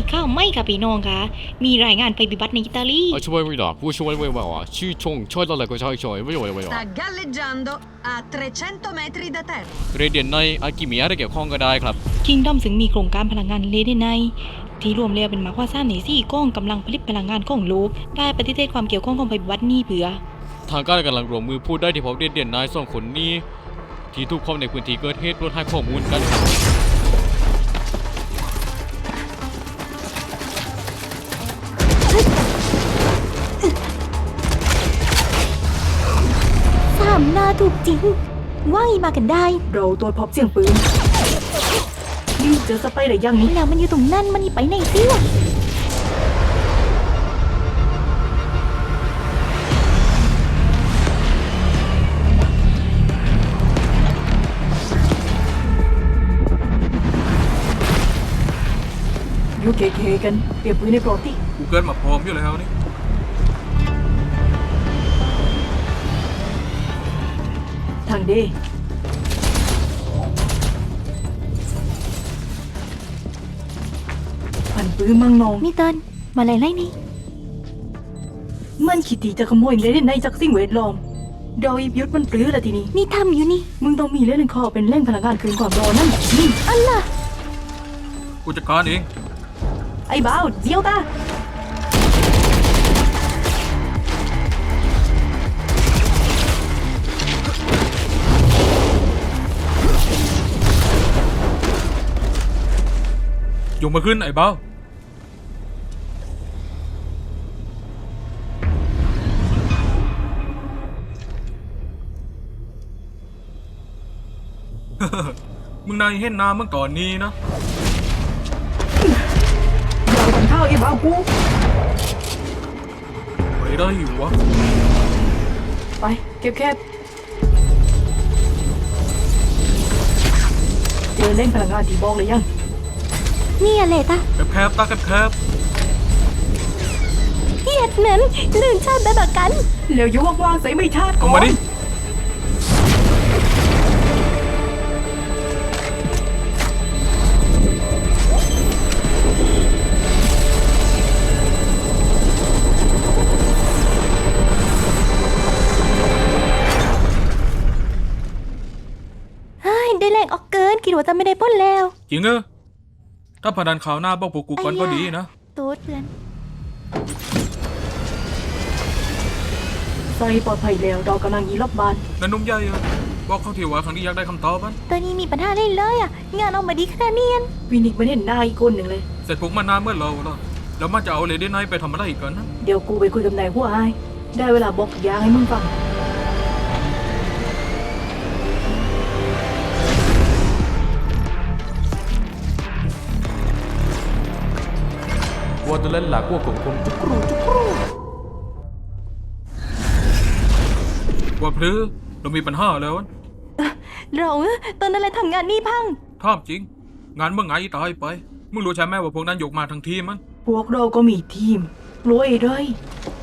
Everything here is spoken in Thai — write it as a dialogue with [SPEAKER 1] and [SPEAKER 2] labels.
[SPEAKER 1] ข้าวไม่ค่ะพี่น้องค่ะมีรายงานภัยพิบัติในอิตาลี
[SPEAKER 2] ช่วยไม่ได้ผู้ช่วยไม่ว่าชื่อชงช่วยอะไรก็ช่วยไม่ไหว
[SPEAKER 3] Sta galleggiando a 300 metri da terra.
[SPEAKER 2] เรเดียนในอากิมีอะไรเกี่ยวข้องก็ได้ครับ
[SPEAKER 1] คิงดอมซึ่งมีโครงการพลังงานเลเดไนที่รวมแล้วเป็นมากกว่า3 ใน 4กองกำลังผลิตพลังงานของโลกได้ปฏิเสธความเกี่ยวข้องของภัยพิบัตินี้เผื่อ
[SPEAKER 2] ทางการกำลังรวมมือพูดได้ที่พบเรเดียนใน2 คนนี้ที่ถูกพบในพื้นที่เกิดเหตุรวดให้ข้อมูลกัน
[SPEAKER 1] 3 หน้าถูกจริงว่าอีมากันได้เราตรวจพบเสียงปืนนี่เจอสไปร์หรือยังนี่แล้วมันอยู่ตรงนั้นมันไปไหนสิวะอยู่เก๋ๆกันเปรียบปืนในปลอดที่
[SPEAKER 4] กูเกิดมาพร้อมอยู่แล้วนี่
[SPEAKER 1] ทางเดพันปื้มมังนองนี่เติ้นมาอะไรนี่มันคิดที่จะขโมยเลยในจากสิ่งแวดล้อมโดยยุทธมันปลื้อละทีนี้นี่ทำอยู่นี่มึงต้องมีเล่นคอเป็นแร่งพลังงานคืนความร้อนนั่นนี่อันล่ะ
[SPEAKER 4] กูจัดการเอง
[SPEAKER 1] ไอ้บ้าวเดี๋ยวตา
[SPEAKER 4] ยกมาขึ้นไอ้เบ้า มึงนายเห็นน้ำเมื่อก่อนนี้นะ
[SPEAKER 1] อย่าไปทำข้าวไอ้บ้าวกู
[SPEAKER 4] ไปได้อยู่วะ
[SPEAKER 1] ไปเก็บแคบเจอเล่นพลังงานที่บอกเลยยังนี่อะไรตา
[SPEAKER 4] แคบตาแคบ
[SPEAKER 1] เฮียดนั้นลื่นชาติแบบกันแล้วยุ่งว่างๆใส่ไม่ชาติ
[SPEAKER 4] เอามาดิ
[SPEAKER 1] ได้แรงออกเกินคิดว่าจะไม่ได้พ้นแล้ว
[SPEAKER 4] จริงเออถ้าพนันข่าวหน้าบอกพวกกูก่อนก็ดีนะ
[SPEAKER 1] ตูดเพื่อนใส่ปลอดภัยแล้วเรากำลังยีรอบบ้าน
[SPEAKER 4] นันนุ่มใหญ่อะบอกเขาทีว่าครั้งนี้อยากได้คำตอบมัน
[SPEAKER 1] ตัวนี้มีปัญหาเลยอ่ะงานออกมาดีขนาดนี้วินิกมันเห็นหน้าอีกคนหนึ่งเลย
[SPEAKER 4] เสร็จพวกมันนานเมื่อเราแล้วมันจะเอาเลดี้ไนท์ไปทำอะไรอีกกันนะ
[SPEAKER 1] เดี๋ยวกูไปคุยกับนายหัวไอ้ได้เวลาบอกยางให้มึงฟัง
[SPEAKER 2] วัวตัวเล่นหลักวัวของผมจุกรู
[SPEAKER 4] ว่าพลือเรามีปัญหาแล้วนะ
[SPEAKER 1] เราตอนนั้นเลยทำงานนี่พัง
[SPEAKER 4] ถามจริง งานเมื่อไงตายไป มึงรู้ใช่ไหมว่าพวกนั้นยกมาทั้งทีมมัน
[SPEAKER 1] พวกเราก็มีทีมรวยด้วย